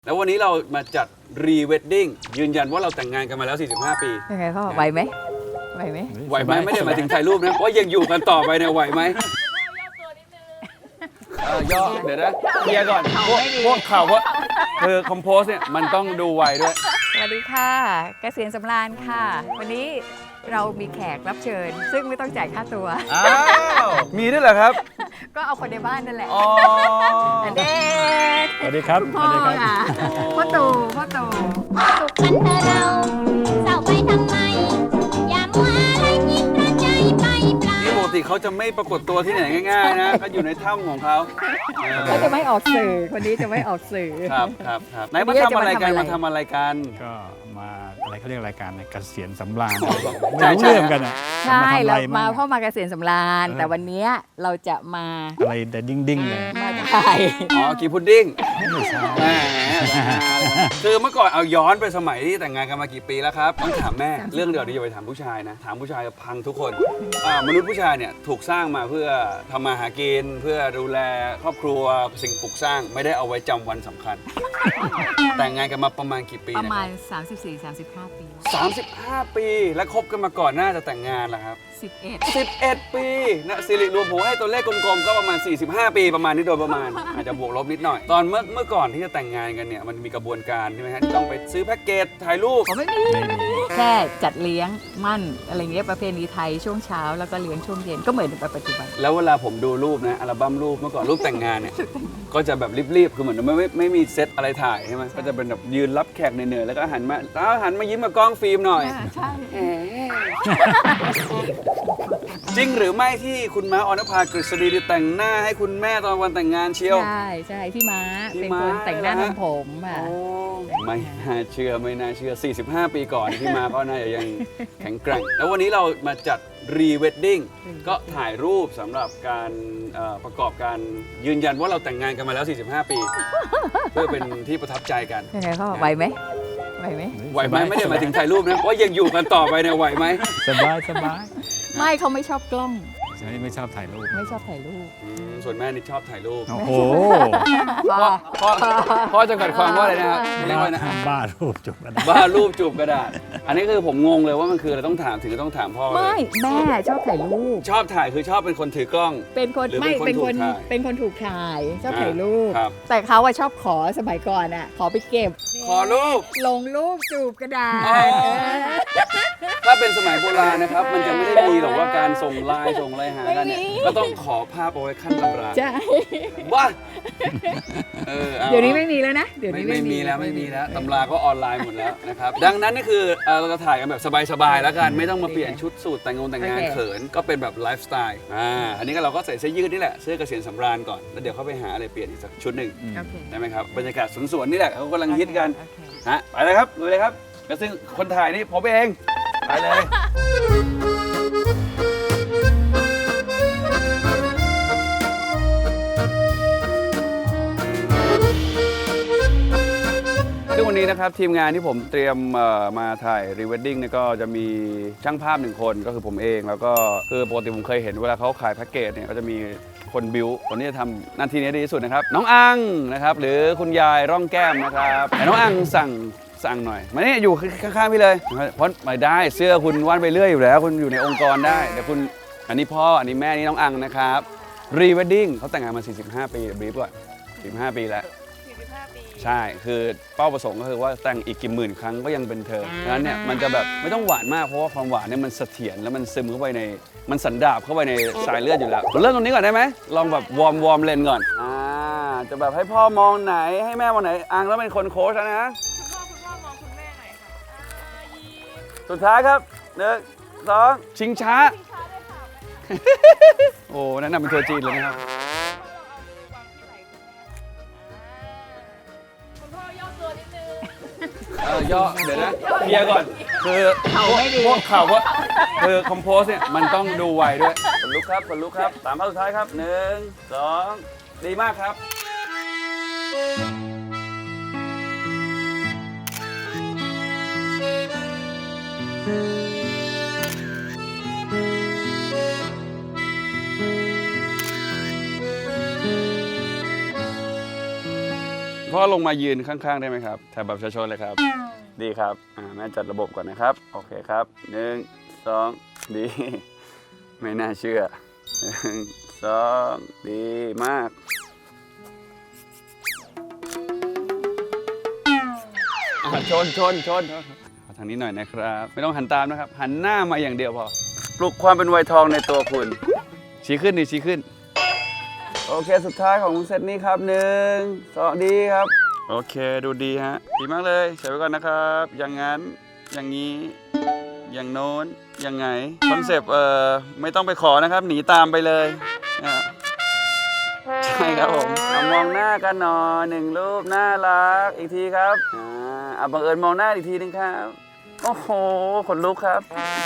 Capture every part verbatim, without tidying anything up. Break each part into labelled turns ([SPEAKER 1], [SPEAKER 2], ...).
[SPEAKER 1] แล้ววันนี้เรามาจัดรีเวดดิ้งยืนยันว่าเราแต่งงานกันมาแล้วสี่สิบห้าปี
[SPEAKER 2] ยังไงพ่อไหวไหมไหวไหม
[SPEAKER 1] ไหวไหมไม่ได้หมายถึงถ่ายรูปนะว่ายังอยู่กันต่อไปเนี่ยไหวไหมย่อเดี๋ยวนะเคลียร์ก่อนพวกพวกข่าวว่าคือคอมโพสเนี่ยมันต้องดูไวด้วย
[SPEAKER 2] สวัสดีค่ะเกษียณสำราญค่ะวันนี้เรามีแขกรับเชิญซึ่งไม่ต้องจ่ายค่าตัว
[SPEAKER 1] อ้าวมีด้วยเหรอครับ
[SPEAKER 2] ก็เอาคนในบ้านนั่นแหละ
[SPEAKER 1] อ๋อ
[SPEAKER 2] เด็ก
[SPEAKER 3] สวัสดีครับ
[SPEAKER 2] พ่อค่ะพ่อตู่พ่อตู่
[SPEAKER 4] สุขกันเถอะเราเศร้าไปทำไมอย่ามัวอะไรคิดประใจไปเปล่า
[SPEAKER 1] นี่ปกติเขาจะไม่ปรากฏตัวที่ไหนง่ายๆนะเขาอยู่ในถ้ำของเขา
[SPEAKER 2] เขาจะไม่ออกสื่อคนนี้จะไม่ออกสื่อ
[SPEAKER 1] ครับครับครับไหนมาทำอะไรกันมาทำอะไรกัน
[SPEAKER 3] ก็มาอะไรเขาเรียกรายการเกษียณสำราญไม่รู้เรื่องกันอ่ะ
[SPEAKER 2] ใช่เรามาพ่อมาเกษียณสำราญแต่วันนี้เราจะมา
[SPEAKER 3] อะไรแต่ดิ้งดิ้งเลย
[SPEAKER 2] มาถ่าย
[SPEAKER 1] อ๋อกีพุดดิ้งแหมคือเมื่อก่อนเอาย้อนไปสมัยที่แต่งงานกันมากี่ปีแล้วครับต้องถามแม่เรื่องเดียวนี้อย่าไปถามผู้ชายนะถามผู้ชายพังทุกคนมนุษย์ผู้ชายเนี่ยถูกสร้างมาเพื่อทำมาหากินเพื่อดูแลครอบครัวสิ่งปลูกสร้างไม่ได้เอาไว้จำวันสำคัญแต่งงานกันมาประมาณกี่ปี
[SPEAKER 2] ประมาณ สามสิบสี่ สามสิบห้า ปี
[SPEAKER 1] สามสิบห้าปีและคบกันมาก่อนหน้าจะแต่งงานล่ะครับ
[SPEAKER 2] สิบเอ็ด
[SPEAKER 1] สิบเอ็ดปีนะสิริรวมผมให้ตัวเลขกลมๆก็ประมาณสี่สิบห้าปีประมาณนี้โดยประมาณอาจจะบวกลบนิดหน่อยตอนเมื่อเมื่อก่อนที่จะแต่งงานกันเนี่ยมันมีกระบวนการใช่ไหมฮะต้องไปซื้อแพ็กเกจถ่ายรูป
[SPEAKER 2] ไม่มีแค่จัดเลี้ยงมั่นอะไรเงี้ยประเพณีไทยช่วงเช้าแล้วก็เลี้ยงช่วงเย็นก็เหมือนในปัจจุบัน
[SPEAKER 1] แล้วเวลาผมดูรูปนะอัลบั้มรูปเมื่อก่อนรูปแต่งงานเนี่ยก็จะแบบรีบๆคือเหมือนไม่ไม่ไม่มีเซตอะไรถ่ายใช่ไหมก็จะเป็นแบบยืนรับแขกเหนื่อยๆแล้วก็หันมาแล้วหันมายิ้มกับกล้องฟิล์มหน่อย
[SPEAKER 2] ใช่
[SPEAKER 1] จริงหรือไม่ที่คุณม้าออนภากฤษฎีแต่งหน้าให้คุณแม่ตอนวันแต่งงานเชียว
[SPEAKER 2] ใช่ใช่พี่ม้าเป็นคนแต่งหน้าทำผมอ่ะ
[SPEAKER 1] ไม่น่าเชื่อไม่น่าเชื่อสี่สิบห้าปีก่อนพี่ม้าก็น่าจะยังแข็งแกร่งแล้ววันนี้เรามาจัดรีเวดดิ้งก็ถ่ายรูปสำหรับการประกอบการยืนยันว่าเราแต่งงานกันมาแล้วสี่สิบห้าปีเพื่อเป็นที่ประทับใจกัน
[SPEAKER 2] ยังไงพ่อไหวไหมไหวไหม
[SPEAKER 1] ไหวไหมไม่ได้หมายถึงถ่ายรูปนะว่ายังอยู่กันต่อไปเนี่ยไหวไหม
[SPEAKER 3] สบายสบาย
[SPEAKER 2] ไม่เขาไม่ชอบกล้อง
[SPEAKER 3] ใช่ไม่ชอบถ่ายรูป
[SPEAKER 2] ไม่ชอบถ่ายรูป
[SPEAKER 1] ส่วนแม่นี่ชอบถ่ายรูป
[SPEAKER 3] โอ้โห
[SPEAKER 1] พ่อพ่อพ่อจะกัดความว่าอะไรนะครับเรียกว่านะ
[SPEAKER 3] บ้ารูปจูบกระดาษ
[SPEAKER 1] บ้ารูปจูบกระดาษอันนี้คือผมงงเลยว่ามันคืออะไรต้องถามถึงต้องถามพ่อ
[SPEAKER 2] ไม่แม่ชอบถ่ายรูป
[SPEAKER 1] ชอบถ่ายคือชอบเป็นคนถือกล้อง
[SPEAKER 2] เป็นคนไม่เป็นคนเป็นคนถูกถ่ายชอบถ่ายรูปแต่เขาอะชอบขอสมัยก่อนอะขอไปเก็บ
[SPEAKER 1] ขอรูป
[SPEAKER 2] ลงรูปจูบกระดาษ
[SPEAKER 1] ถ้าเป็นสมัยโบราณนะครับมันจะไม่ได้มีหรอกว่าการส่งไลน์ส่งอะไรหากันเนี่ยก็ต้องขอภาพเอาไว้ขั้นตำรา
[SPEAKER 2] ใช่
[SPEAKER 1] ว่า
[SPEAKER 2] เดี๋ยวนี้ไม่มีแล้วนะ
[SPEAKER 1] เดี๋ยวนี้ไม่มีแล้วไม่มีแล้วตำราก็ออนไลน์หมดแล้วนะครับดังนั้นนี่คือเราจะถ่ายกันแบบสบายๆแล้วกันไม่ต้องมาเปลี่ยนชุดสูทแต่งงานแต่งงานเขินก็เป็นแบบไลฟ์สไตล์อ่าอันนี้ก็เราก็ใส่เสื้อยืดนี่แหละเสื้อเกษียณสำราญก่อนแล้วเดี๋ยวเขาไปหาอะไรเปลี่ยนอีกสักชุดหนึ่งได้ไหมครับบรรยากาศสวนๆนี่แหละเขากำลังฮิตกันฮะไปเลยครับดูเลยครับแล้วซึ่งคนถ่ายนี่ผมเองไปเลยซึ่งวันนี้นะครับทีมงานที่ผมเตรียมมาถ่ายรีเวดดิ้งเนี่ยก็จะมีช่างภาพหนึ่งคนก็คือผมเองแล้วก็คือปกติผมเคยเห็นเวลาเขาขายแพ็กเกจเนี่ยก็จะมีคนบิวคนนี้จะทำหน้าที่นี้ดีที่สุดนะครับน้องอังนะครับหรือคุณยายร่องแก้มนะครับน้องอังสั่งสั่งหน่อยมานี่อยู่ข้างๆพี่เลยเพราะไม่ได้เสื้อคุณว่านไปเรื่อยอยู่แล้วคุณอยู่ในองค์กรได้เดี๋ยวคุณอันนี้พ่ออันนี้แม่นี่น้องอังนะครับรีเวดดิ้งเขาแต่งงานมาสี่สิบห้าปีบรีฟก่อนสี่สิบห้าปีแล้วใช่คือเป้าประสงค์ก็คือว่าแต่งอีกกี่หมื่นครั้งก็ยังเป็นเธอดังนั้นเนี่ยมันจะแบบไม่ต้องหวานมากเพราะว่าความหวานเนี่ยมันเสถียรแล้วมันซึมเข้าไปในมันสันดาบเข้าไปในสายเลือดอยู่แล้วเริ่มตรงนี้ก่อนได้ไหมลองแบบวอร์มวอร์มเลนก่อนอ่าจะแบบให้พ่อมองไหนให้แม่มองไหนอังแล้วเป็นคนโค้ชนะคุณพ่อคุณพ่อมองคุณแม่หน่อยค่ะสุดท้ายครับหนึ่งสองชิงช้าโอ้นั่นน่ะเป็นตัวจีนเลยนะครับย่อเดี๋ยวนะเคลียร์ก่อนคือพวกข่าวว่าคือคอมโพสเนี่ยมันต้องดูไวด้วยผลลุกครับผลลุกครับสามภาพสุดท้ายครับหนึ่งสองดีมากครับพ่อพ่อลงมายืนข้างๆได้ไหมครับถ่ายแบบประชาชนเลยครับ ดีครับอ่าแม่จัดระบบก่อนนะครับโอเคครับหนึ่งสองดีไม่น่าเชื่อหนึ่งสองดีมากอ่าชนชนชนขอทางนี้หน่อยนะครับไม่ต้องหันตามนะครับหันหน้ามาอย่างเดียวพอปลุกความเป็นวัยทองในตัวคุณชี้ขึ้นดิชี้ขึ้นโอเคสุดท้ายของเซตนี้ครับหนึ่งสองดีครับโอเคดูดีฮะดีมากเลยใส่ไว้ก่อนนะครับอย่างนั้นอย่างนี้อย่างโน้นยังไงคอนเซปต์เอ่อไม่ต้องไปขอนะครับหนีตามไปเลยอ่ะใช่ครับผมเอามองหน้ากันหน่อยหนึ่งรูปน่ารักอีกทีครับอ่าอ่ะบังเอิญมองหน้าอีกทีนึงครับโอ้โหขนลุกครับ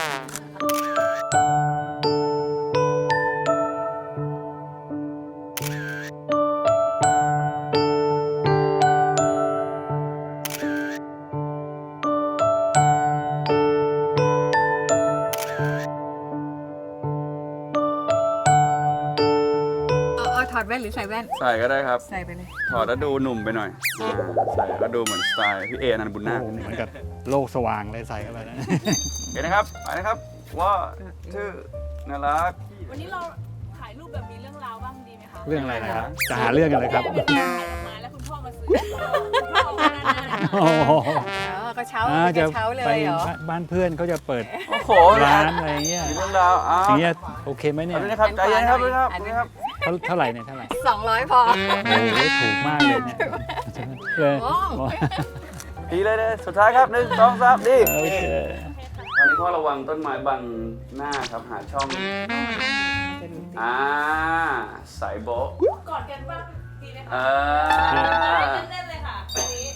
[SPEAKER 2] เอาเอาถอดแว่นหรือใส่แว่น
[SPEAKER 1] ใส่ก็ได้ครับ
[SPEAKER 2] ใส่ไปเลย
[SPEAKER 1] ถอดแล้วดูหนุ่มไปหน่อยอ่าใส่ก็ดูเหมือนสไตล์พี่เอนันต์บุญ
[SPEAKER 3] โอ้
[SPEAKER 1] นาค
[SPEAKER 3] โหเหมือนกับโลกสว่างเลยใส่เข้าไปนะ
[SPEAKER 1] โอเคนะครับไปนะครับว่าชื่อน่ารัก
[SPEAKER 5] วันนี้เราถ่ายรูปแบบมีเรื่องราวบ้างดีไหมคะ
[SPEAKER 3] เรื่องอะไรนะครับ จะหาเรื่องอะไรครับ
[SPEAKER 5] แม่เป็นถ่ายออกมาแล้วคุณพ่อมาซื้อคุณพ่อมาหน้าหน้า
[SPEAKER 3] โอ้โห
[SPEAKER 2] อ๋อก็เช้า
[SPEAKER 3] อ่า
[SPEAKER 2] ไป
[SPEAKER 3] จะ
[SPEAKER 2] เช้าเล
[SPEAKER 3] ไป
[SPEAKER 2] ยเหรอ
[SPEAKER 3] บ้านเพื่อนเขาจะเปิด
[SPEAKER 1] โอ้โห
[SPEAKER 3] ร้านอะไรเงี้ย
[SPEAKER 1] มีเรื่องราวอ้าว
[SPEAKER 3] อย่างเงี้ยโอเคไหมเนี่ย
[SPEAKER 1] เอาด้วยนะครับใจเย็นครับด้วยครับด้วยครับ
[SPEAKER 3] เท่าเท่าไหร่เนี่ยเท่าไหร่
[SPEAKER 2] สองร้อยพอ
[SPEAKER 3] โอ้โหถูกมากเลยเนี่ยเลย
[SPEAKER 2] โอ้
[SPEAKER 1] ดีเลยเลยสุดท้ายครับหนึ่งสองสามดี
[SPEAKER 3] โอเค
[SPEAKER 1] ตอนนี้พ่อระวังต้นไม้บังหน้าครับหาช่องอ่าสายโบ๊ะ
[SPEAKER 5] กอดกันบ้างดีไหมคะ
[SPEAKER 1] อ่า
[SPEAKER 5] เต้นๆเลยค่ะวันนี้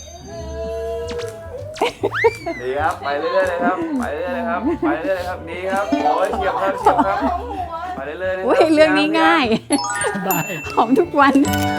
[SPEAKER 1] ดีครับไปเรื่อยๆเลยครับไปเรื่อยๆเลยครับไปเรื่อยๆเลยครับดีครับโอ้ยเฉียบครับเฉียบครับไปเรื่อยๆเลยค
[SPEAKER 2] อุ้ย
[SPEAKER 1] รับ
[SPEAKER 2] เรื่องนี้ง่ายหอมทุกวัน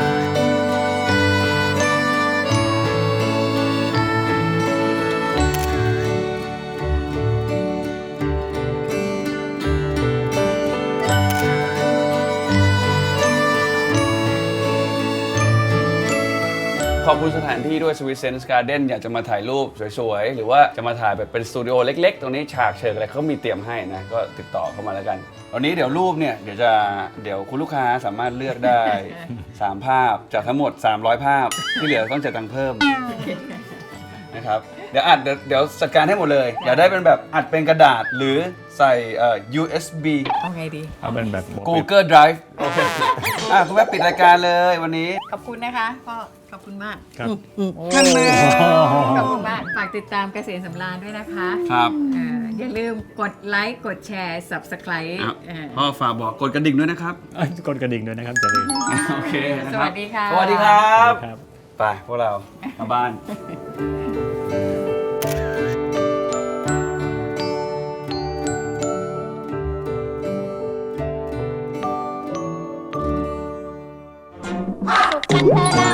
[SPEAKER 1] ขอบคุณสถานที่ด้วย Sweet Sense Garden อยากจะมาถ่ายรูปสวยๆ หรือว่าจะมาถ่ายแบบเป็นสตูดิโอเล็กๆ ตรงนี้ฉากเชิงอะไรเขามีเตรียมให้นะ ก็ติดต่อเข้ามาแล้วกัน วันนี้เดี๋ยวรูปเนี่ย เดี๋ยวจะเดี๋ยวคุณลูกค้าสามารถเลือกได้ สาม ภาพจากทั้งหมด สามร้อย ภาพ ที่เหลือต้องจ่ายตังค์เพิ่มนะครับ เดี๋ยวอัดเดี๋ยวเดี๋ยวจัดการให้หมดเลย อยากได้เป็นแบบอัดเป็นกระดาษหรือใส่เอ่อ ยู เอส บี
[SPEAKER 2] เอาไงดี
[SPEAKER 3] เอาเป็นแบบ
[SPEAKER 1] Google Drive โอเคอ่ะคุณแม่ปิดรายการเลยวันนี้
[SPEAKER 2] ขอบคุณนะคะพ่อขอบคุณมาก
[SPEAKER 3] ครับ
[SPEAKER 2] ท่านแม่
[SPEAKER 3] โอ้โห
[SPEAKER 2] ขอบคุณมากฝากติดตามเกษตรสำราญด้วยนะคะ
[SPEAKER 1] ครับ
[SPEAKER 2] เอ่ออย่าลืมกดไลค์กดแชร์ subscribe
[SPEAKER 1] อ่ะ
[SPEAKER 2] เอ่อ
[SPEAKER 1] พ่อฝากบอกกดกระดิ่งด้วยนะครับ
[SPEAKER 3] เอ้ยกดกระดิ่งด้วยนะครับจะลืม
[SPEAKER 1] โอเคนะ
[SPEAKER 2] ส
[SPEAKER 1] ครับ
[SPEAKER 2] วัสดีค่ะ
[SPEAKER 1] สวัสดีครับ
[SPEAKER 3] ครับ
[SPEAKER 1] ไปพวกเรามาบ้าน
[SPEAKER 4] สุขกันเถอะเรา